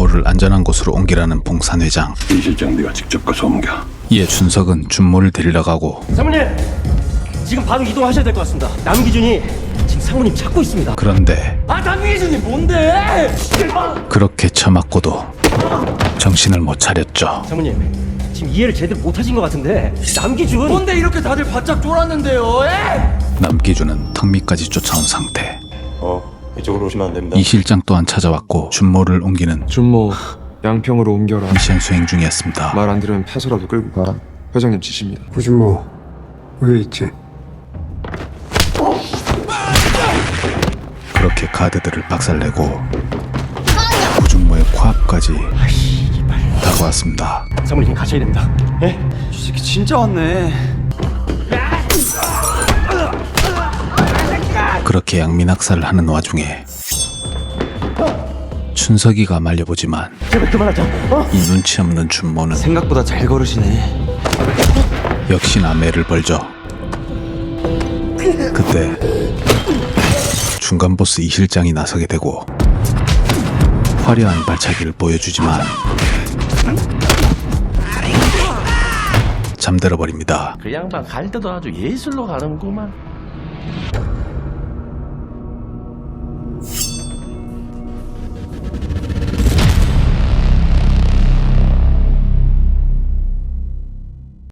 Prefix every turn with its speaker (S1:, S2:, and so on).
S1: 준모를 안전한 곳으로 옮기라는 봉산 회장.
S2: 이 실장 네가 직접 가서 옮겨.
S1: 이에 준석은 준모를 데리러 가고,
S3: 사모님, 지금 바로 이동하셔야 될 것 같습니다. 남기준이 지금 사모님 찾고 있습니다.
S1: 그런데
S3: 남기준이 뭔데?
S1: 그렇게 처맞고도 정신을 못 차렸죠.
S3: 사모님, 지금 이해를 제대로 못하신 것 같은데 남기준 뭔데 이렇게 다들 바짝 쫄았는데요?
S1: 남기준은 턱 밑까지 쫓아온 상태.
S4: 이쪽으로 오시면 안 됩니다.
S1: 이 실장 또한 찾아왔고 준모를 옮기는
S5: 준모 양평으로 옮겨라.
S1: 미션 수행 중이었습니다.
S5: 말 안 들으면 폐소라도 끌고 가. 회장님 지시입니다.
S6: 구준모 왜 있지?
S1: 그렇게 가드들을 박살내고 구준모의 코앞까지 다가왔습니다.
S3: 사모님 가셔야 됩니다. 예?
S7: 이 새끼 진짜 왔네.
S1: 그렇게 양민학살을 하는 와중에 춘석이가 말려보지만
S3: 제발 그만하자.
S1: 이 눈치 없는 준모는
S7: 생각보다 잘 걸으시네.
S1: 역시나 매를 벌죠. 그때 중간 보스 이 실장이 나서게 되고 화려한 발차기를 보여주지만 잠들어 버립니다.
S8: 그 양반 갈 때도 아주 예술로 가는구만.